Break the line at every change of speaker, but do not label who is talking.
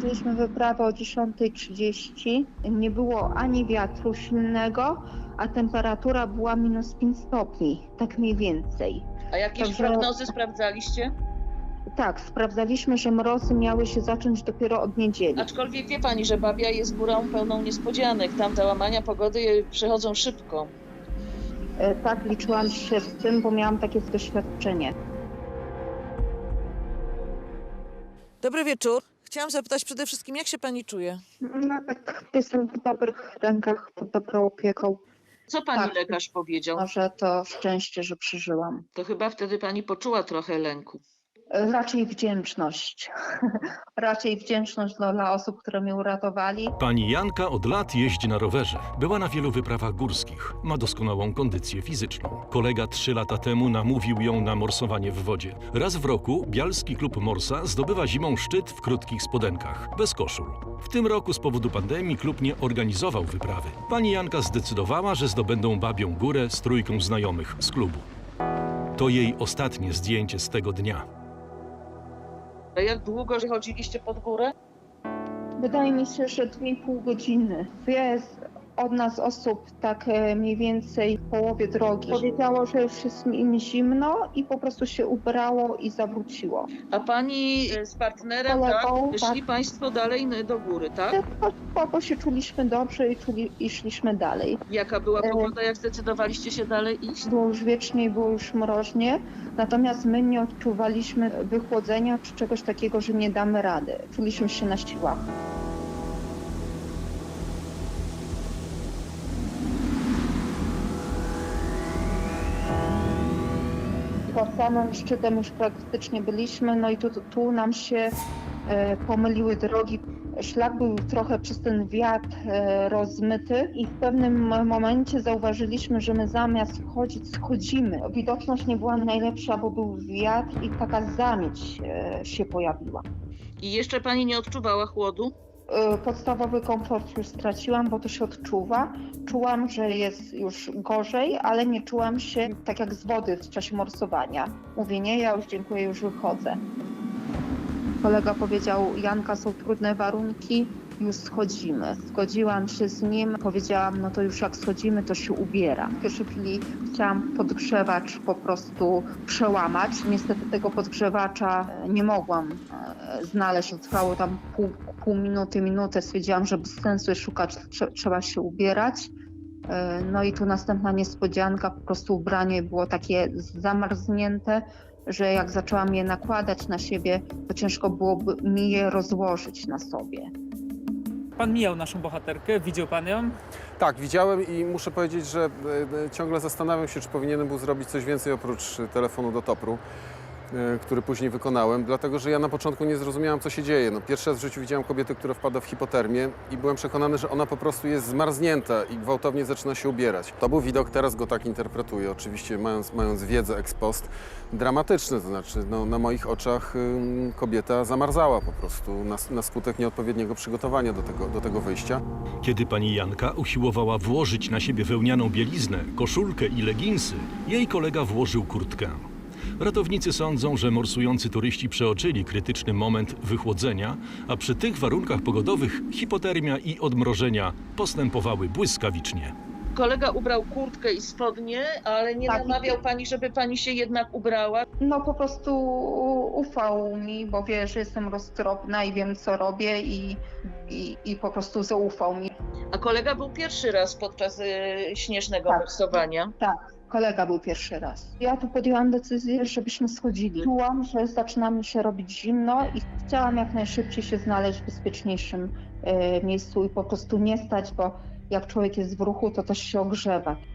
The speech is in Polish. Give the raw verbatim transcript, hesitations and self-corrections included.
Skończyliśmy wyprawę o dziesiąta trzydzieści. Nie było ani wiatru silnego, a temperatura była minus pięć stopni, tak mniej więcej.
A jakieś
Także-
prognozy sprawdzaliście?
Tak, sprawdzaliśmy, że mrozy miały się zacząć dopiero od niedzieli.
Aczkolwiek wie pani, że Babia jest górą pełną niespodzianek. Tam te łamania pogody przychodzą szybko.
E, Tak, liczyłam się z tym, bo miałam takie doświadczenie.
Dobry wieczór. Chciałam zapytać przede wszystkim, jak się pani czuje?
No tak, jestem w dobrych rękach, pod dobrą opieką.
Co pani
Tak.
lekarz powiedział?
Może to szczęście, że przeżyłam.
To chyba wtedy pani poczuła trochę lęku.
E, Raczej wdzięczność. Raczej wdzięczność dla, dla osób, które mnie uratowali.
Pani Janka od lat jeździ na rowerze. Była na wielu wyprawach górskich. Ma doskonałą kondycję fizyczną. Kolega trzy lata temu namówił ją na morsowanie w wodzie. Raz w roku Bialski Klub Morsa zdobywa zimą szczyt w krótkich spodenkach, bez koszul. W tym roku z powodu pandemii klub nie organizował wyprawy. Pani Janka zdecydowała, że zdobędą Babią Górę z trójką znajomych z klubu. To jej ostatnie zdjęcie z tego dnia.
A jak długo chodziliście pod górę?
Wydaje mi się, że dwie i pół godziny. Jest od nas osób tak e, mniej więcej w połowie drogi. Powiedziało, że już jest im zimno i po prostu się ubrało i zawróciło.
A pani z partnerem,
Kolegą,
tak? Szli
tak.
państwo dalej do góry, tak?
Po, po się czuliśmy dobrze i, czuli, i szliśmy dalej.
Jaka była
E,
pogoda, jak zdecydowaliście się dalej iść?
Było już wiecznie i było już mroźnie, natomiast my nie odczuwaliśmy wychłodzenia czy czegoś takiego, że nie damy rady. Czuliśmy się na siłach. Pod samym szczytem już praktycznie byliśmy, no i tu, tu nam się e, pomyliły drogi. Szlak był trochę przez ten wiatr e, rozmyty i w pewnym momencie zauważyliśmy, że my zamiast wchodzić, schodzimy. Widoczność nie była najlepsza, bo był wiatr i taka zamieć e, się pojawiła.
I jeszcze pani nie odczuwała chłodu?
E, podstawowy komfort już straciłam, bo to się odczuwa. Czułam, że jest już gorzej, ale nie czułam się tak jak z wody w czasie morsowania. Mówię, nie, ja już dziękuję, już wychodzę. Kolega powiedział, Janka, są trudne warunki, już schodzimy. Zgodziłam się z nim, powiedziałam, no to już jak schodzimy, to się ubiera. W pierwszej chwili chciałam podgrzewacz po prostu przełamać. Niestety tego podgrzewacza nie mogłam e, znaleźć. Trwało tam pół, pół minuty, minutę. Stwierdziłam, że bez sensu jest szukać, trze- trzeba się ubierać. E, No i tu następna niespodzianka, po prostu ubranie było takie zamarznięte, że jak zaczęłam je nakładać na siebie, to ciężko byłoby mi je rozłożyć na sobie.
Pan mijał naszą bohaterkę, widział pan ją?
Tak, widziałem i muszę powiedzieć, że e, ciągle zastanawiam się, czy powinienem był zrobić coś więcej oprócz telefonu do Topru, e, który później wykonałem, dlatego że ja na początku nie zrozumiałem, co się dzieje. No, pierwszy raz w życiu widziałem kobietę, która wpada w hipotermię i byłem przekonany, że ona po prostu jest zmarznięta i gwałtownie zaczyna się ubierać. To był widok, teraz go tak interpretuję, oczywiście mając, mając wiedzę ex post, dramatyczny, to znaczy no, na moich oczach ym, kobieta zamarzała po prostu na, na skutek nieodpowiedniego przygotowania do tego, do tego wyjścia.
Kiedy pani Janka usiłowała włożyć na siebie wełnianą bieliznę, koszulkę i leginsy, jej kolega włożył kurtkę. Ratownicy sądzą, że morsujący turyści przeoczyli krytyczny moment wychłodzenia, a przy tych warunkach pogodowych hipotermia i odmrożenia postępowały błyskawicznie.
Kolega ubrał kurtkę i spodnie, ale nie
Tak.
namawiał pani, żeby pani się jednak ubrała.
No po prostu ufał mi, bo wie, że jestem roztropna i wiem, co robię i, i, i po prostu zaufał mi.
A kolega był pierwszy raz podczas y, śnieżnego
Tak.
morsowania.
Tak, kolega był pierwszy raz. Ja tu podjęłam decyzję, żebyśmy schodzili. Czułam, że zaczyna mi się robić zimno i chciałam jak najszybciej się znaleźć w bezpieczniejszym e, miejscu i po prostu nie stać, bo jak człowiek jest w ruchu, to też się ogrzewa.